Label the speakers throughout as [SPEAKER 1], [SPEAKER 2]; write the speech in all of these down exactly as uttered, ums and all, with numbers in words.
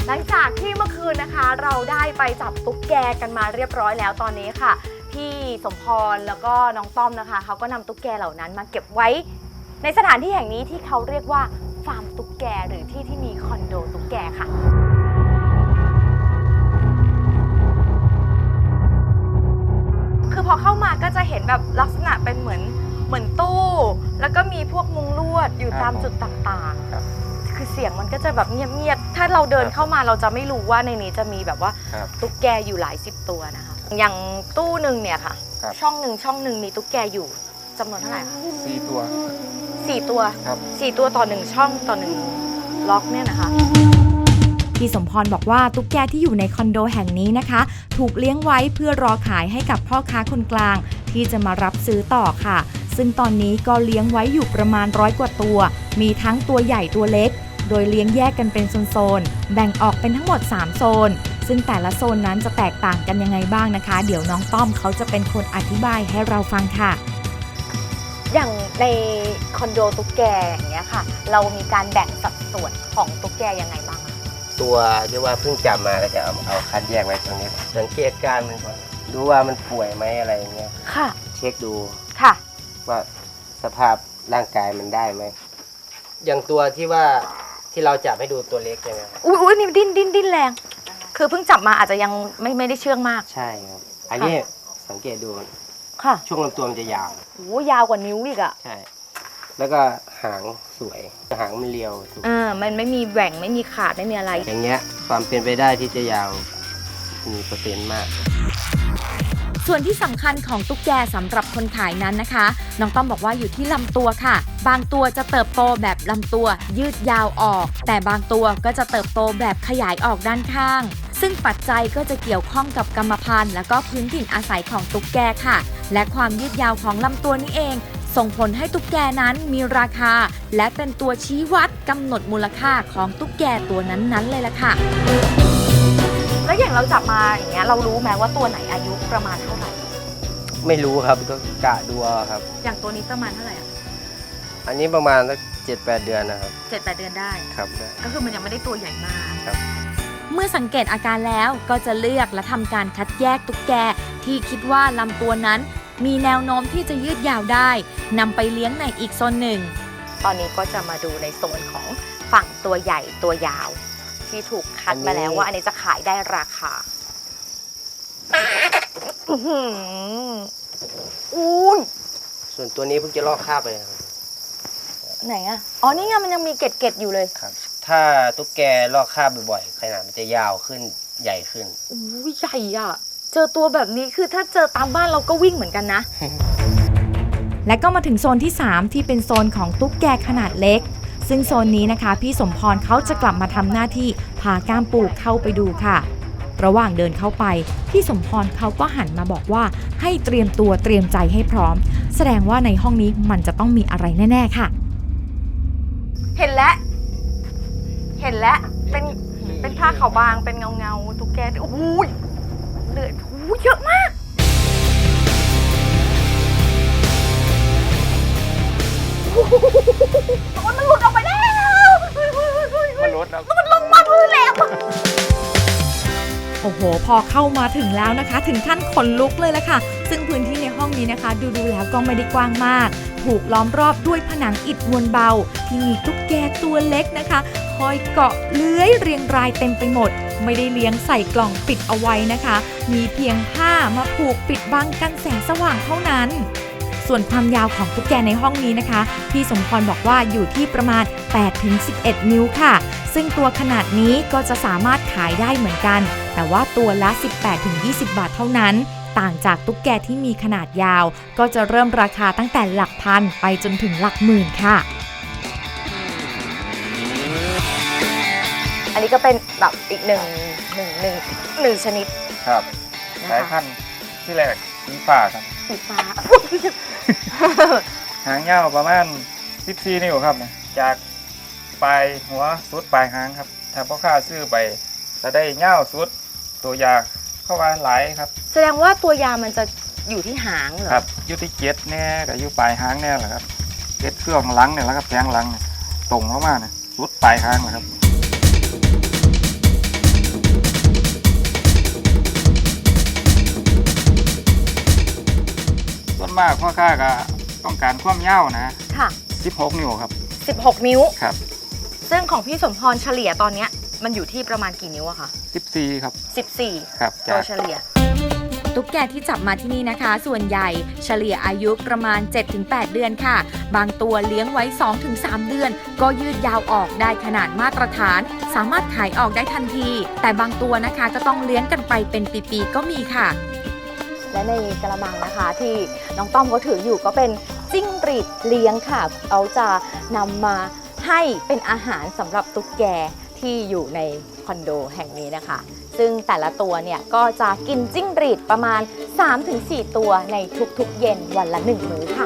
[SPEAKER 1] หลังจากที่เมื่อคืนนะคะเราได้ไปจับตุ๊กแกกันมาเรียบร้อยแล้วตอนนี้ค่ะพี่สมพรแล้วก็น้องต้อมนะคะเขาก็นำตุ๊กแกเหล่านั้นมาเก็บไว้ในสถานที่แห่งนี้ที่เขาเรียกว่าฟาร์มตุ๊กแกหรือที่ที่มีคอนโดตุ๊กแกค่ะคือพอเข้ามาก็จะเห็นแบบลักษณะเป็นเหมือนเหมือนตู้แล้วก็มีพวกมุงลวดอยู่ตามจุดต่างๆคือเสียงมันก็จะแบบเงียบๆถ้าเราเดินเข้ามาเราจะไม่รู้ว่าในนี้จะมีแบบว่าตุ๊กแกอยู่หลายสิบตัวนะคะอย่างตู้หนึ่งเนี่ยค่ะช่องหนึ่งช่องหนึ่งมีตุ๊กแกอยู่จำนวนเท่าไหร่คะ
[SPEAKER 2] สี่ตัว
[SPEAKER 1] สี่ตัวสี่ตัวต่อหนึ่งช่องต่อหนึ่งล็อกเนี่ยนะคะ
[SPEAKER 3] พี่สมพรบอกว่าตุ๊กแกที่อยู่ในคอนโดแห่งนี้นะคะถูกเลี้ยงไว้เพื่อรอขายให้กับพ่อค้าคนกลางที่จะมารับซื้อต่อค่ะซึ่งตอนนี้ก็เลี้ยงไว้อยู่ประมาณร้อยกว่าตัวมีทั้งตัวใหญ่ตัวเล็กโดยเลี้ยงแยกกันเป็นโซนๆแบ่งออกเป็นทั้งหมดสามโซนซึ่งแต่ละโซนนั้นจะแตกต่างกันยังไงบ้างนะคะเดี๋ยวน้องต้อมเขาจะเป็นคนอธิบายให้เราฟังค่ะ
[SPEAKER 1] อย่างในคอนโดตุ๊กแกอย่างเงี้ยค่ะเรามีการแบ่งสัดส่วนของตุ๊กแกยังไงบ้าง
[SPEAKER 4] ตัวที่ว่าเพิ่งจับมาก็จะเอาเอาคัดแยกไว้ตรงนี้สังเกตการมันก่อนดูว่ามันป่วยไหมอะไรเงี้ย
[SPEAKER 1] ค่ะ
[SPEAKER 4] เช็คดู
[SPEAKER 1] ค่ะ
[SPEAKER 4] ว่าสภาพร่างกายมันได้ไหมอย่างตัวที่ว่าที่เราจับให้ดูตัวเล็กใช่ไหม
[SPEAKER 1] อุ้ยอุ้ยนี่ดิ้นดิ้นดิ้นแรงคือเพิ่งจับมาอาจจะยังไม่ไม่ได้เชื่องมาก
[SPEAKER 4] ใช่ครับอันนี้สังเกตดู
[SPEAKER 1] ค่ะ
[SPEAKER 4] ช่วงลำตัวมันจะยาว
[SPEAKER 1] โอ้ยาวกว่านิ้วอีกอ่ะ
[SPEAKER 4] ใช่แล้วก็หางสวยหางมันเรียว
[SPEAKER 1] อ่ามันไม่มีแหว่งไม่มีขาดไม่มีอะไร
[SPEAKER 4] อย่างเงี้ยความเป็นไปได้ที่จะยาวมีเปอร์เซ็นต์มาก
[SPEAKER 3] ส่วนที่สำคัญของตุ๊กแกสำหรับคนขายนั้นนะคะน้องต้อมบอกว่าอยู่ที่ลำตัวค่ะบางตัวจะเติบโตแบบลำตัวยืดยาวออกแต่บางตัวก็จะเติบโตแบบขยายออกด้านข้างซึ่งปัจจัยก็จะเกี่ยวข้องกับกรรมพันธุ์และก็พื้นถิ่นอาศัยของตุ๊กแกค่ะและความยืดยาวของลำตัวนี้เองส่งผลให้ตุ๊กแกนั้นมีราคาและเป็นตัวชี้วัดกำหนดมูลค่าของตุ๊กแกตัวนั้นๆเลยล่ะค่ะ
[SPEAKER 1] แล้วอย่างเราจับมาอย่างเงี้ยเรารู้ไหมว่าตัวไหนอายุประมาณเท่าไหร่
[SPEAKER 4] ไม่รู้ครับก็กะดูครับ
[SPEAKER 1] อย่างตัวนี้ประมาณเท่าไหร่อ่ะ
[SPEAKER 4] อันนี้ประมาณสักเจ็ดแปดเดือนนะครับ
[SPEAKER 1] เจ็ดแปดเดือนได้
[SPEAKER 4] ครับได้
[SPEAKER 1] ก็คือมันยังไม่ได้ตัวใหญ่มาก
[SPEAKER 4] ครับ
[SPEAKER 3] เมื่อสังเกตอาการแล้วก็จะเลือกและทำการคัดแยกตุ๊กแกที่คิดว่าลำตัวนั้นมีแนวโน้มที่จะยืดยาวได้นำไปเลี้ยงในอีกโซนหนึ่ง
[SPEAKER 1] ตอนนี้ก็จะมาดูในโซนของฝั่งตัวใหญ่ตัวยาวที่ถูกคัดมาแล้วว่าอันนี้จะขายได้ราคาอุ้ย
[SPEAKER 4] ส่วนตัวนี้เพิ่งจะลอกคราบไป
[SPEAKER 1] ไหนอ่ะอ๋อนี่ไงมันยังมีเกล็ดๆอยู่เลย
[SPEAKER 4] ครับถ้าตุ๊กแกลอกคราบบ่อยๆขนาดมันจะยาวขึ้นใหญ่ขึ้น
[SPEAKER 1] อุ้ยใหญ่อ่ะเจอตัวแบบนี้คือถ้าเจอตามบ้านเราก็วิ่งเหมือนกันนะ
[SPEAKER 3] และก็มาถึงโซนที่สามที่เป็นโซนของตุ๊กแกขนาดเล็กซึ่งโซนนี้นะคะพี่สมพรเขาจะกลับมาทำหน้าที่พาก้ามปูเข้าไปดูค่ะระหว่างเดินเข้าไปพี่สมพรเขาก็หันมาบอกว่าให้เตรียมตัวเตรียมใจให้พร้อมแสดงว่าในห้องนี้มันจะต้องมีอะไรแน่ๆค่ะ
[SPEAKER 1] เห็นแล้วเห็นแล้วเป็นเป็นผ้าขาวบางเป็นเงาเงาตุ๊กแกโอ้ยเลือดโอ้ยเยอะมากมันหลุดออกไปแล้ว
[SPEAKER 2] มันหลุดแล้ว
[SPEAKER 1] มันลงมาพื้นแล้ว
[SPEAKER 3] โอ้โหพอเข้ามาถึงแล้วนะคะถึงขั้นขนลุกเลยละค่ะซึ่งพื้นที่ในห้องนี้นะคะดูดูแล้วก็ไม่ได้กว้างมากถูกล้อมรอบด้วยผนังอิฐมวลเบาที่มีตุ๊กแกตัวเล็กนะคะคอยเกาะเลื้อยเรียงรายเต็มไปหมดไม่ได้เลี้ยงใส่กล่องปิดเอาไว้นะคะมีเพียงผ้ามาผูกปิดบังกันแสงสว่างเท่านั้นส่วนความยาวของตุ๊กแกในห้องนี้นะคะพี่สมพรบอกว่าอยู่ที่ประมาณ แปดถึงสิบเอ็ด นิ้วค่ะซึ่งตัวขนาดนี้ก็จะสามารถขายได้เหมือนกันแต่ว่าตัวละ สิบแปดถึงยี่สิบ บาทเท่านั้นต่างจากตุ๊กแกที่มีขนาดยาวก็จะเริ่มราคาตั้งแต่หลักพันไปจนถึงหลักหมื่นค่ะ
[SPEAKER 1] อันนี้ก็เป็นแบบอีกหนึ่งหนึ่งหนึ่งหนึ่งชนิด
[SPEAKER 2] ครับสายพันธุ์ที่แรกสีฟ้าครับ
[SPEAKER 1] สีฟ้า
[SPEAKER 2] หางยาวประมาณสิบสี่นิ้วครับเนี่ยจากปลายหัวสุดปลายหางครับถ้าพ่อค้าซื้อไปจะได้ยาวสุดตัวยาเข้ามาหลายครับ
[SPEAKER 1] แสดงว่าตัวยามันจะอยู่ที่หางเหรอ
[SPEAKER 2] ครับอยู่ที่เกล็ดแน่กับอยู่ปลายหางแน่แหละครับเกล็ดเครื่องหลังเนี่ยแหละครับแทงหลังตรงเข้ามาเนี่ยสุดปลายหางนะครับมากพ่อค้าก็ต้องการความยาวนะ
[SPEAKER 1] ค่ะ
[SPEAKER 2] สิบหกนิ้วครับ
[SPEAKER 1] สิบหกนิ้ว
[SPEAKER 2] ครับ
[SPEAKER 1] ซึ่งของพี่สมพรเฉลี่ยตอนเนี้ยมันอยู่ที่ประมาณกี่นิ้วอะคะ
[SPEAKER 2] สิบสี่ครับ
[SPEAKER 1] สิบสี่
[SPEAKER 2] ครับ
[SPEAKER 1] โด
[SPEAKER 2] จาก
[SPEAKER 1] ยเฉลี่ย
[SPEAKER 3] ตุ๊กแกที่จับมาที่นี่นะคะ ส่วนใหญ่เฉลี่ยอายุประมาณ เจ็ดถึงแปด เดือนค่ะ บางตัวเลี้ยงไว้ สองถึงสาม เดือน ก็ยืดยาวออกได้ขนาดมาตรฐาน สามารถขายออกได้ทันที แต่บางตัวนะคะก็ต้องเลี้ยงกันไปเป็นปีๆก็มีค่ะ
[SPEAKER 1] และในกระมังนะคะที่น้องต้อมเขาถืออยู่ก็เป็นจิ้งหรีดเลี้ยงค่ะเขาจะนำมาให้เป็นอาหารสำหรับตุ๊กแกที่อยู่ในคอนโดแห่งนี้นะคะ ซึ่งแต่ละตัวเนี่ยก็จะกินจิ้งหรีดประมาณ สามถึงสี่ ตัวในทุกๆเย็นวันละหนึ่งมื้อค่ะ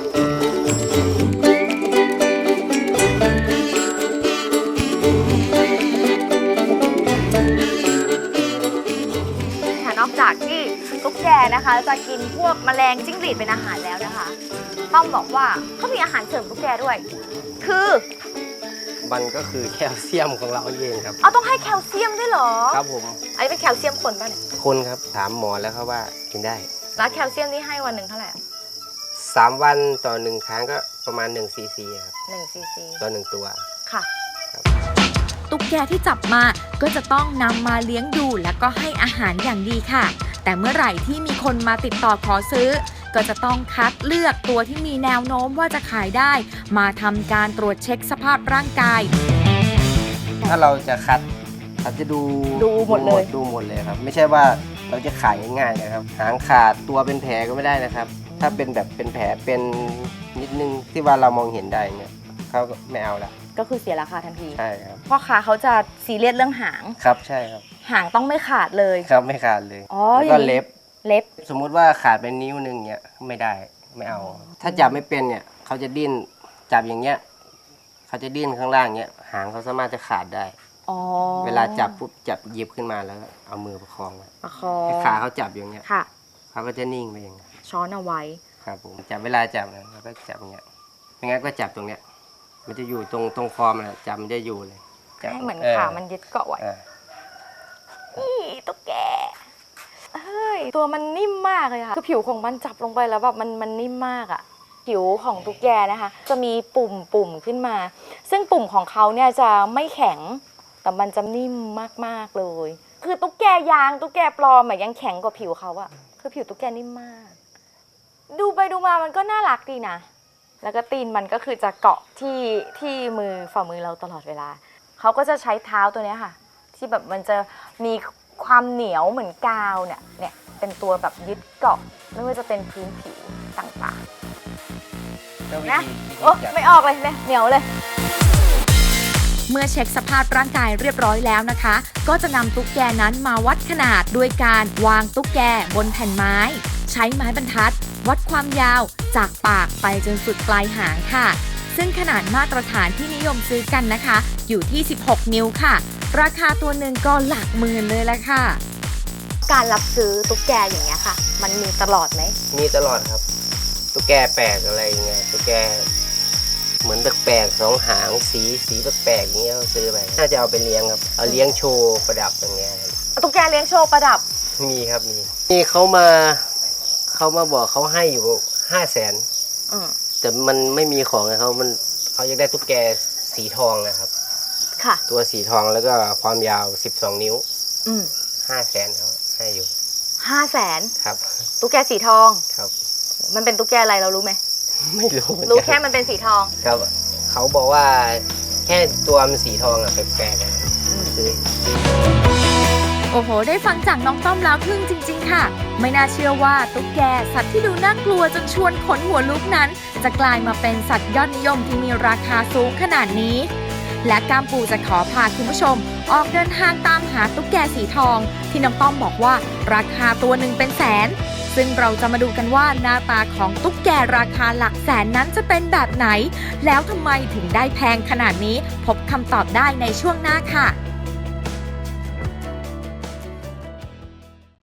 [SPEAKER 1] นอกจากที่ตุ๊กแกนะคะจะกินพวกแมลงจิ้งหรีดเป็นอาหารแล้วนะคะต้อมบอกว่าเขามีอาหารเสริมตุ๊กแกด้วย คือ
[SPEAKER 4] มันก็คือแคลเซียมของเราเองครับ
[SPEAKER 1] เอาต้องให้แคลเซียมด้วยเหรอ
[SPEAKER 4] ครับผม
[SPEAKER 1] อันนี้เป็นแคลเซียมคนป่ะเนี่ย
[SPEAKER 4] คนครับถามหมอแล้วครับว่ากินได้
[SPEAKER 1] แล้วแคลเซียมนี่ให้วันหนึ่งเท่าไหร่
[SPEAKER 4] สามวันต่อหนึ่งครั้งก็ประมาณหนึ่งซีซีครับ
[SPEAKER 1] หนึ่งซีซี
[SPEAKER 4] ต่อหนึ่งตัว
[SPEAKER 1] ค่ะ
[SPEAKER 3] ตุ๊กแกที่จับมาก็จะต้องนำมาเลี้ยงดูแล้วก็ให้อาหารอย่างดีค่ะ แต่เมื่อไหร่ที่มีคนมาติดต่อขอซื้อ ก็จะต้องคัดเลือกตัวที่มีแนวโน้มว่าจะขายได้ มาทำการตรวจเช็คสภาพร่างกาย
[SPEAKER 4] ถ้าเราจะคัดเราจะดู
[SPEAKER 1] ดูหมดเลย
[SPEAKER 4] ดูหมดเลยครับ ไม่ใช่ว่าเราจะขายง่ายๆนะครับ หางขาดตัวเป็นแผลก็ไม่ได้นะครับ ถ้าเป็นแบบเป็นแผลเป็นนิดนึงที่ว่าเรามองเห็นได้เนี่ยเขาก็ไม่เอาละ
[SPEAKER 1] ก็คือเสียราคาทันที
[SPEAKER 4] ใช่ครับ
[SPEAKER 1] พ่อค้าเขาจะซีเรียสเรื่องหาง
[SPEAKER 4] ครับใช่ครับ
[SPEAKER 1] หางต้องไม่ขาดเลย
[SPEAKER 4] ครับไม่ขาดเลย
[SPEAKER 1] อ๋อ
[SPEAKER 4] แล้วก็
[SPEAKER 1] อย่างนี้
[SPEAKER 4] เล็บ
[SPEAKER 1] เล็บ
[SPEAKER 4] สมมุติว่าขาดเป็นนิ้วหนึ่งเนี่ยไม่ได้ไม่เอา ถ้าจับไม่เป็นเนี่ยเขาจะดิ้นจับอย่างเงี้ยเขาจะดิ้นข้างล่างเงี้ยหางเขาสามารถจะขาดได้
[SPEAKER 1] อ๋อ
[SPEAKER 4] เวลาจับปุ๊บจับหยิบขึ้นมาแล้วเอามือประคองไว้
[SPEAKER 1] ประคอ
[SPEAKER 4] ให้ขาเขาจับอย่างเงี้ย
[SPEAKER 1] ค่ะ
[SPEAKER 4] เขาก็จะนิ่งไปอย่างเงี้ย
[SPEAKER 1] ช้อนเอาไว้
[SPEAKER 4] ครับผมจับเวลาจับนะเราก็จับอย่างเงี้ยไม่งั้นก็จับตรงเนี้ยมันจะอยู่ตรงตรงคอมันอะจับมันจะอยู่เลยจับ
[SPEAKER 1] ให้เหมือน
[SPEAKER 4] อ
[SPEAKER 1] ขามันยึดเกาะไว้
[SPEAKER 4] อ่า
[SPEAKER 1] นี่ตุ๊กแกเฮ้ยตัวมันนิ่มมากเลยค่ะคือผิวของมันจับลงไปแล้วแบบมันมันนิ่มมากอะผิวของตุ๊กแกนะคะ จะมีปุ่มปุ่มขึ้นมา ซึ่งปุ่มของเขาเนี่ยจะไม่แข็งแต่มันจะนิ่มมากๆเลย คือตุ๊กแกยางตุ๊กแกปลอมอะยังแข็งกว่าผิวเขาอะคือผิวตุ๊กแกนิ่มมาก ดูไปดูมามันก็น่ารักดีนะ แล้วก็ตีนมันก็คือจะเกาะที่ที่มือฝ่ามือเราตลอดเวลาเขาก็จะใช้เท้าตัวเนี้ยค่ะ ที่แบบมันจะมีความเหนียวเหมือนกาวเนี่ยเนี่ยเป็นตัวแบบยึดเกาะไม่ว่าจะเป็นพื้นผิวต่างๆนะโอ้ไม่ออกเลยเนี่ยเหนียวเลย
[SPEAKER 3] เมื่อเช็คสภาพร่างกายเรียบร้อยแล้วนะคะ ก็จะนำตุ๊กแกนั้นมาวัดขนาดด้วยการวางตุ๊กแกบนแผ่นไม้ ใช้ไม้บรรทัด วัดความยาวจากปากไปจนสุดปลายหางค่ะ ซึ่งขนาดมาตรฐานที่นิยมซื้อกันนะคะ อยู่ที่ สิบหก นิ้วค่ะ ราคาตัวหนึ่งก็หลักหมื่นเลยละค่ะ
[SPEAKER 1] การรับซื้อตุ๊กแกอย่างเงี้ยค่ะ มันมีตลอดไหม
[SPEAKER 4] มีตลอดครับตุ๊กแกแปลกอะไรอย่างเงี้ยตุ๊กแกเหมือนแปลกๆสองหางสีสีแปลกๆอย่างเงี้ยเขาซื้อไปน่าจะเอาไปเลี้ยงครับเอาเลี้ยงโชว์ประดับอย่างเงี้ยครับ
[SPEAKER 1] ตุ๊กแกเลี้ยงโชว์ประดับ
[SPEAKER 4] มีครับมีนี่เขามาเขามาบอกเขาให้อยู่ห้าแสน
[SPEAKER 1] อืม
[SPEAKER 4] แต่มันไม่มีของไงเขามันเขาอยากได้ตุ๊กแกสีทองนะครับ
[SPEAKER 1] ค่ะ
[SPEAKER 4] ตัวสีทองแล้วก็ความยาวสิบสองนิ้ว
[SPEAKER 1] อืม
[SPEAKER 4] ห้าแสนเขาให้อยู่
[SPEAKER 1] ห้าแสน
[SPEAKER 4] ครับ
[SPEAKER 1] ตุ๊กแกสีทอง
[SPEAKER 4] ครับ
[SPEAKER 1] มันเป็นตุ๊กแกอะไรเรารู้ไหม
[SPEAKER 4] ไม่รู้เหมือน
[SPEAKER 1] รู้
[SPEAKER 4] กัน
[SPEAKER 1] แค่มันเป็นสีทอง
[SPEAKER 4] ครับเขาบอกว่าแค่ตัวมันสีทองอะแปลกๆอะซื้อ
[SPEAKER 3] โอ้โห ได้ฟังจากน้องต้อมแล้วทึ่งจริงๆค่ะ ไม่น่าเชื่อว่าตุ๊กแกสัตว์ที่ดูน่ากลัวจนชวนขนหัวลุกนั้น จะกลายมาเป็นสัตว์ยอดนิยมที่มีราคาสูงขนาดนี้ และกามปูจะขอพาคุณผู้ชม ออกเดินทางตามหาตุ๊กแกสีทอง ที่น้องต้อมบอกว่าราคาตัวหนึ่งเป็นแสน ซึ่งเราจะมาดูกันว่าหน้าตาของตุ๊กแกราคาหลักแสนนั้นจะเป็นแบบไหน แล้วทำไมถึงได้แพงขนาดนี้ พบคำตอบได้ในช่วงหน้าค่ะ